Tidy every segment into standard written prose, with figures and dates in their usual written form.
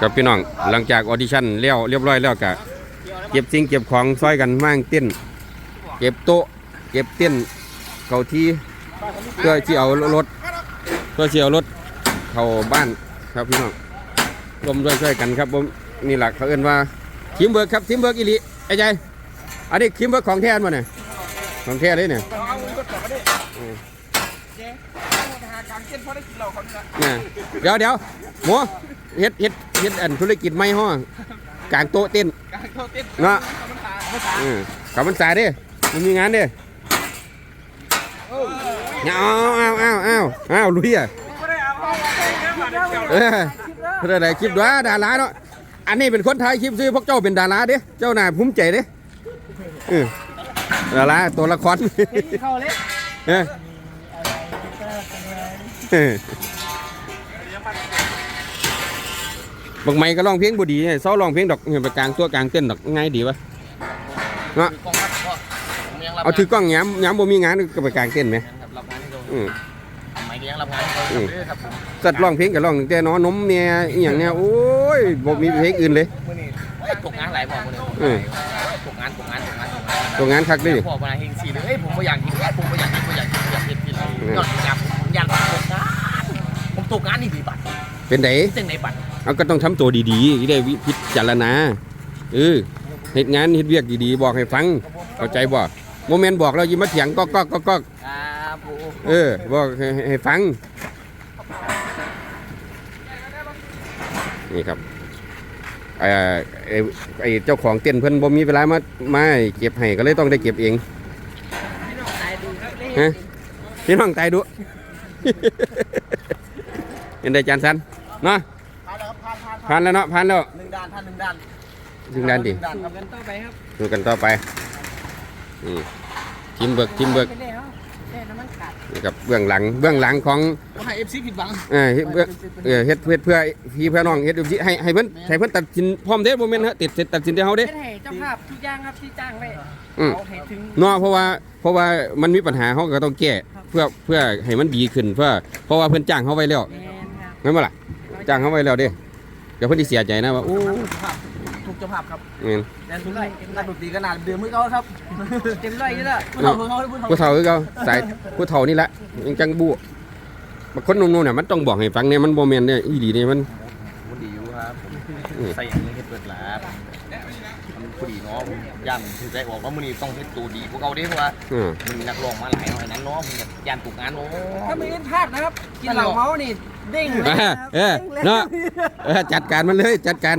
กับพี่น้องหลังจากออดิชั่นเรียบร้อยแล้วก็เก็บสิ่งเก็บของซอยกันมั่งเต้นเก็บโต๊ะเก็บเต้นเก่าที่เพื่อที่เอารถเข้าบ้านครับพี่น้องร่วมด้วยช่วยกันครับผมนี่แหละเขาเอิ้นว่าทีมเบิร์กครับทีมเบิร์กอีหลีไอ้ใจอันนี้ทีมเบิร์กของแท้มาเนี่ยของแท้เลยเนี่ยเดี๋ยวหมูเฮ็ดอันธุรกิจไม่ห้อกลางโต๊ะเต้นเนาะกับมันสายดิมันมีงานดิเอาลุยอ่ะเพื่ออะไรคลิปด้วยดาราเนาะอันนี้เป็นคนไทยคลิปซื้อพวกเจ้าเป็นดาราเด้เจ้าหน้าภูมิใจเด้ดาราตัวละครบางไม้ก็ร้องเพลงบุดีเศร้าร้องเพลงดอกไปกลางตัวกลางเต้นดอกง่ายดีวะเนาะเอาถือกล้องย้ำบ่มีงานก็ไปกลางเต้นไหมสัตว์ร้องเพลงกับร้องแต่น้อนมเนี่ยอย่างเนี้ยโอ้ยบ่มีเพลงอื่นเลยตกงานหลายบอกเลยตกงานคักดิพอมาเฮงสีเลยผมไม่อยากกินผมไม่อยากกินผมตกงานนี่ดีบัตรเป็นไหนบัตรเอาก็ต้องทำตัวดีๆได้พิจารณาเหตุงานเหตุเวียกดีๆบอกให้ฟังเข้าใจบ่โมเมนต์บอกเรายิ้มมาเถียงก็บอกให้ฟังนี่ครับไอ้เจ้าของเต้นเพิ่นบ่มีเวลามาเก็บให้ก็เลยต้องได้เก็บเองฮะพี่น้องตายดุเห็นได้จานสันเนาะผ่านแล้วเนาะผ่านแล้ว 1 ด้าน1 ด้าน 1 ด้านดิดูกันต่อไปทีมเบิกนี่ครับเบื้องหลังของให้FCผิดหวังเฮ็ดเพื่อพี่เพื่อน้องเฮ็ดให้เพิ่นตัดสินพร้อมเด้บ่แม่นฮะตัดสินที่เฮาเด้ให้เจ้าภาพทุกอย่างครับที่จ้างไว้เอาให้ถึงเนาะเพราะว่ามันมีปัญหาเฮาก็ต้องแก้เพื่อให้มันดีขึ้นเพราะว่าเพิ่นจ้างเฮาไว้แล้วแม่นบ่ล่ะจ้างเฮาไว้แล้วเด้เดี๋ยวเพิ่นสิเสียใจนะว่าโอ้ทุกเจ้าภาพครับแต่ทุกไรนักดนตรีขนาดเดือดมือเขาครับเต็มร้อยอยู่แล้วผู้เฒ่าคือเขาสายผู้เฒ่านี่แหละยังจังบู๊บางคนนุ่มๆเนี่ยมันต้องบอกให้ฟังเนี่ยมันโมเมนต์เนี่ยอีหลีเนี่ยมันดีอยู่ครับใส่อย่างนี้เปิดหลาบมันพอดีเนาะยันถือใจบอกว่ามื้อนี้ต้องเฮ็ดตัวดีพวกเขาดิเพราะว่ามันมีนักร้องมาหลายหน่อยนั้นเนาะมันยันตกงานเนาะถ้าไม่เล่นพลาดนะครับกินเหล้าเมานี่เด้งเนาะจัดการมันเลย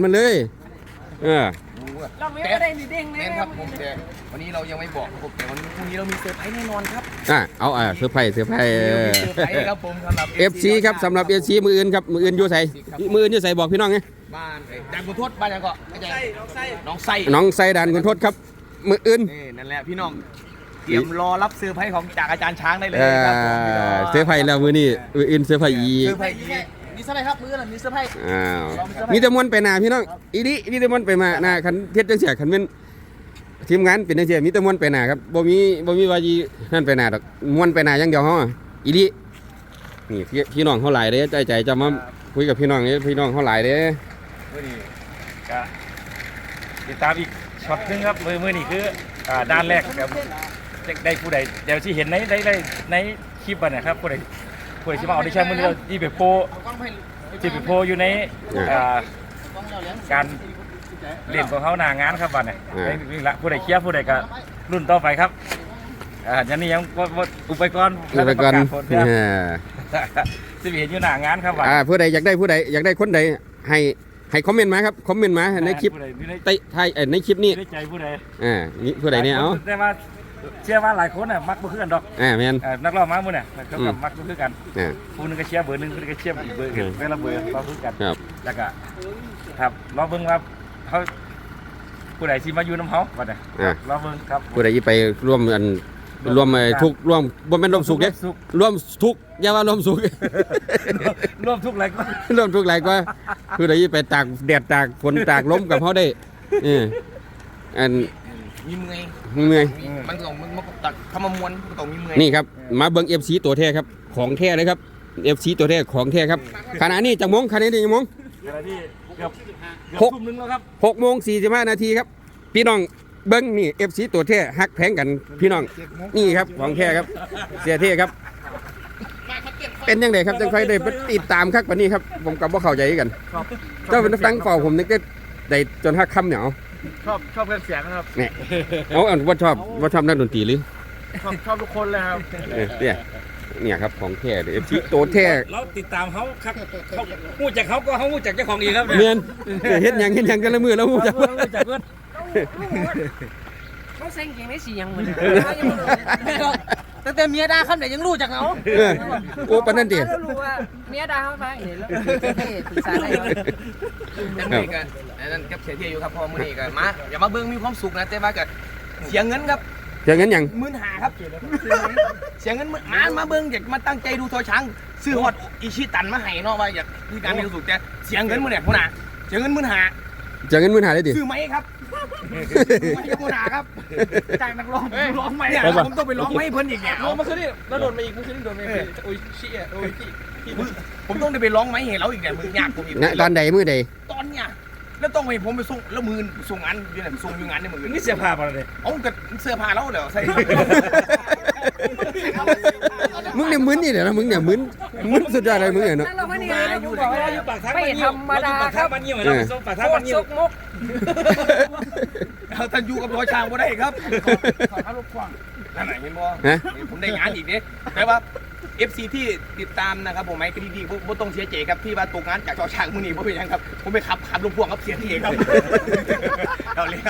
เราไม่ได้มีเด้งแน่ครับผมแต่วันนี้เรายังไม่บอกผมแต่วันพรุ่งนี้เรามีเซอร์ไพรส์แน่นอนครับเอาเซอร์ไพรส์ครับผมสำหรับ FC ครับสำหรับ FC มืออื่นครับมืออื่นอยู่ใส่บอกพี่น้องไงบ้านด่านคุณทศบ้านยังก็น้องไส้ด่านคุณทศครับมืออื่นนั่นแหละพี่น้องเตรียมรอรับเซอร์ไพรส์ของจากอาจารย์ช้างได้เลยครับเซอร์ไพรส์แล้วมือนี้อื่นเซอร์ไพรส์อีมีเซอร์ไพรส์ครับมือมีเซอร์ไพรส์มีแต่มวนไปหน้าพี่น้องอีนี่มีแต่มวนไปมาหน้าคันเฮ็ดจังซี่คันเป็นทีมงานเป็นจังซี่มีแต่มวนไปหน้าครับบ่มีว่าจีนั่นไปหน้าดอกมวนไปหน้าอย่างเดียวเฮาอีนี่พี่น้องเฮาหลายเด้ใจจะมาคุยกับพี่น้องนี่พี่น้องเฮาหลายเด้มื้อนี้ก็ติดตามอีกช็อตนึงครับมื้อนี้คือด้านแรกครับได้ผู้ใดเดี๋ยวสิเห็นในคลิปอ่ะนะครับผู้ใดสิมาออดิชั่นมื้อนี้ที่ไปโพอยู่ในการเล่นของเขาหน้างานครับวันนี้นี่ละผู้ใดเคลียร์ผู้ใดก็รุ่นต่อไปครับอย่างนี้ยังอุปกรณ์สิเห็นอยู่หน้างานครับวันผู้ใดอยากได้คนใดให้คอมเมนต์มาครับคอมเมนต์มาในคลิปในคลิปนี้ใจผู้ใดนี่ผู้ใดเนี่ยเอาแต่ว่าเชื่อว่าหลายคนน่ะมักบ่คือกันดอกแม่นนักร้องมามื้อน่ะเขากับมักบ่คือกันผู้นึงก็เชียร์เบอร์นึงผู้นึงก็เชียร์อีกเบอร์เวลาเบอร์บ่คือกันแล้วก็ครับรอเบิ่งว่าเขาผู้ใดสิมาอยู่นำเฮาบัดนี้รอเบิ่งครับผู้ใดสิไปร่วมทุกร่วมบ่แม่นร่วมสุขเด้ร่วมทุกอย่าว่าร่วมสุขร่วมทุกข์หลายกว่าร่วมทุกข์หลายกว่าผู้ใดสิไปตากแดดตากฝนตากลมกับเฮาได้อันมีเมื่อยมันต้องตัดทำมามวนต้องมีเมื่อยนี่ครับมาเบิ่ง FC ตัวแท้ครับของแท้เลยครับ FC ตัวแท้ของแท้ครับขณะนี้จังมงขณะนี้จังมงขณะที่เกือบหกทุ่มนึงแล้วครับ 6:45 นาทีครับ พี่น้องเบิ้งนี่ FC ตัวแท้ฮักแพงกันพี่น้องนี่ครับของแท้ครับ เสียเท่ครับ เป็นยังไงครับจังไฟได้ติดตามคักปานนี้ครับผมกับบ่เข้าใจกันเจ้าเป็นตั้งเฝ้าผมนึกได้จนฮักค่ำเนี่ยเอาชอบเครื่องเสียงครับเนี่ยเอาว่าชอบนักดนตรีหรือชอบทุกคนเลยครับเนี่ยครับของแท้เอฟซีโตแท้เราติดตามเขาครับเขาหู้จักเขาก็เขาหู้จักเจ้าของอีกครับเมียนเฮ็ดหยังกันละมือแล้วมูจักหู้จักเพื่อนเขาเซ็งเก่งได้สี่ยังเหมือนตั้งแต่เมียด่าคำไหนยังรู้จักเขาโอ้ปานนั้นดิแล้วรู้ว่าเมียด่าเขาไปเห็นแล้วปรึกษาได้แต่มือนี้กันนั่นกับเสียเที่ยวอยู่ครับพอมือนี้กันมาอย่ามาเบิ่งมีความสุขนะแต่ว่าก็เสียเงินครับอย่างนั้นหยัง 15,000ครับเสียเงินมาเบิ่งอยากมาตั้งใจดูทอช้างซื้อฮอดอิชิตันมาให้เนาะว่าอยากมีการมีความสุขแต่เสียเงินมื้อเนี่ยพุ่นน่ะเสียเงิน15,000 จะเงินมือหาได้ดิซื้อไหมครับไม่ยกหนาครับจ่ายนักร้องไหมเนี่ยผมต้องไปร้องให้เพิ่นอีกเนี่ยร้องมาคืนนี้แล้วโดนมาอีกมื่อคืนนี้โดนมาโอ้ยเชี่ยโอ้ยพี่ผมต้องไปร้องไหมให้เราอีกเนี่ยมือยากผมอีกนะตอนใดมือใดตอนเนี่ยแล้วต้องไปผมไปส่งแล้วมือส่งงานอยู่ไหนส่งอยู่งานในมือนี่เสียผ้ามาเลยเอากับเสื้อผ้าแล้วเดี๋ยวใส่มึงเนี่ยมึนนี่เดี๋ยวนะมึงเนี่ยมึนสุดยอดเลยมึงเนี่ยเนาะนั่นเราไม่นี่อยู่บอกว่าปากทางไม่มันธรรมดาครับมันเยี่ยมเราส่งปากทางโคมัตนรเยี่ยซุมกมุกเอาท่านอยู่กับรอยช้างบ่ได้ครับขออารมณ์ฟังนั่นไหนเห็นบ่ผมได้งานอีกเนี่ยแต่ว่า FC ที่ติดตามนะครับผมไอ้คดีดีบ่ต้องเสียใจครับที่ว่าตกงานจากจอช้างมื้อนี้บ่เป็นหยังครับผมไปขับลูกพ่วงครับเสียทีครับเอาเลย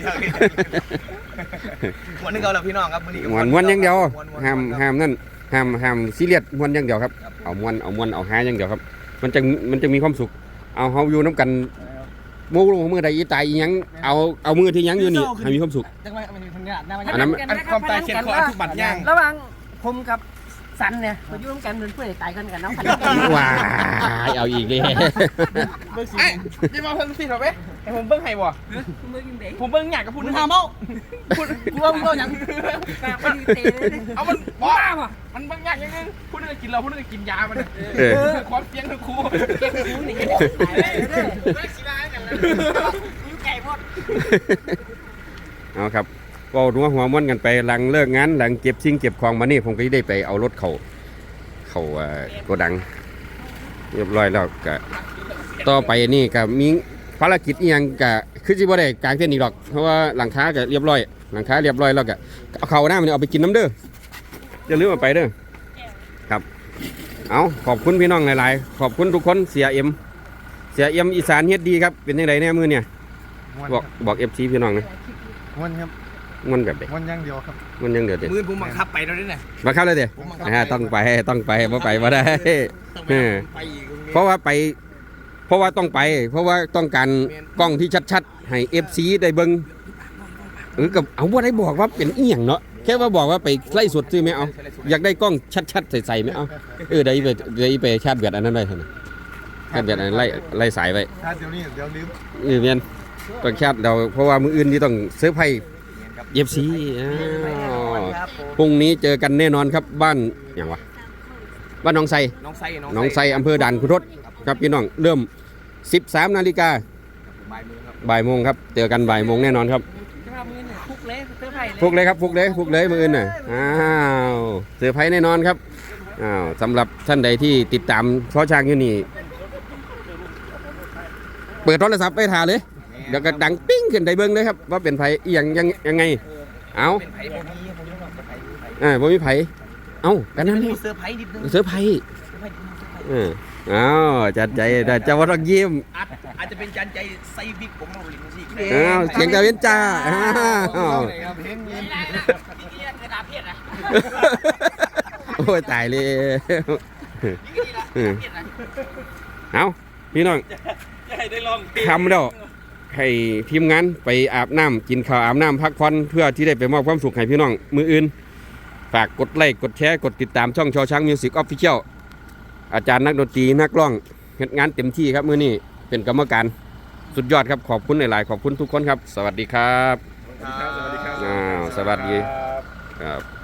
วันนึงเอาละพี่น้องครับมื้อนี้ม้วนอย่างเดียวห้ามนั่นห้ามซีเรียสม้วนอย่างเดียวครับเอาม้วนเอาหาอย่างเดียวครับมันจะมีความสุขเอาเฮาอยู่น้ำกันโมลงมือใดอีตายอีหยังเอามือที่ยังอยู่นี่ให้มีความสุขจังหวะมันทำงานอันนั้นความตายเขียนคอทุกบัตรย่างระหว่างผมกับสันเนี่ยมายุ่งกันเหมือนเพื่อนตายกันกับน้องพันธุ์ว้ายเอาอีกเลยไอ้จะมาเพิ่งสิเหรอเว้ยไอ้ผมเบิ้งให้บ่มือกินเด็กผมเบิ้งอยากกับพูดนึงหาเมาพูดกูว่ามึงเอาอย่างปากมันเตะเลยเอามันบ้าป่ะมันเบิ้งอยากยังไงพูดนึงกินเราพูดนึงกินยามันความเสียงคือครูเก็บหูหนีตายเลยไม่สิได้กันเลยยิ้มไก่หมดเอาครับก็หัวม้วนกันไปหลังเลิกงานหลังเก็บสิ่งเก็บของมานี่ผมก็ได้ไปเอารถเขาโกดังเรียบร้อยแล้วก็ต่อไปนี่ก็มีภารกิจอีหยังก็คือสิบ่ได้กลางเต้นอีกหรอกเพราะว่าหลังคาก็เรียบร้อยแล้วก็เอาเขาหน้ามันเอาไปกินน้ำเด้ออย่าลืมเอาไปเด้อครับเอาขอบคุณพี่น้องหลายๆขอบคุณทุกคนเสียเอ็มอีสานเฮ็ดดีครับเป็นยังไงแน่มือเนี่ยบอก FC พี่น้องนะมันครับมันแบบเด็กมันยังเดียวครับมันยังเดือดเด็ดมือผมบังคับไปแล้วเนี่ยมาเข้าเลยเดี๋ยวต้องไปบ่ไปบ่ได้เพราะว่าต้องไปเพราะว่าต้องการกล้องที่ชัดๆให้ FC ได้เบิ่งกับเอาบ่ได้บอกว่าเป็นอีหยังเนาะแค่ว่าบอกว่าไปไล่สดซื้อไหมเอาอยากได้กล้องชัดๆใส่ไหมเอาได้ไปชาร์จแบตอันนั้นได้ท่านชาร์จแบตอันนั้นไล่สายไว้ถ้าเดี๋ยวนี้เดี๋ยวลืมเมียนต้องชาร์จเราเพราะว่ามื้ออื่นนี่ต้องเซอร์ไพรส์ FC พรุ่งนี้เจอกันแน่นอนครับบ้านอย่างวะบ้านหนองไทรอำเภอด่านขุนทดครับพี่น้องเริ่ม 13 นาฬิกาบ่ายโมงครับเจอกันบ่ายโมงแน่นอนครับจะมามือเนี่ยคุกเลยเตอร์ไผ่เลยฟุกเลยครับฟุกเลยมื้ออื่นน่ะเซอร์ไพรส์แน่นอนครับสำหรับท่านใดที่ติดตามช่อช้างอยู่นี่เปิดโทรศัพท์ไปถ่าเลยเดี๋ยวก็ดังปิ้งขึ้นได้เบิ่งเลยครับว่าเป็นไผอีหยังไงเอาบ่มีไผเอ้ากันนั่นนี่เซอร์ไพรส์นิดนึงเซอร์ไพรส์อ้าวจัดใจแต่จะว่าต้องยิ้มอาจจะเป็นจานใจไซบิกผมเอาลิ้นสิอ้าวเสียงกระเว้นจ้าอ้าวเห็นเงินโอ้ยตายเลยเอาพี่น้องให้ได้ลองทำแล้วให้ทีมงานไปอาบน้ำกินข้าวอาบน้ำพักผ่อนเพื่อที่ได้ไปมอบความสุขให้พี่น้องมืออื่นฝากกดไลค์กดแชร์กดติดตามช่องชอช้างมิวสิกออฟฟิเชียลอาจารย์นักดนตรีนักร้องเฮ็ดงานเต็มที่ครับมื้อนี้เป็นกรรมการสุดยอดครับขอบคุณหลายๆขอบคุณทุกคนครับสวัสดีครับสวัสดีครับสวัสดีครับ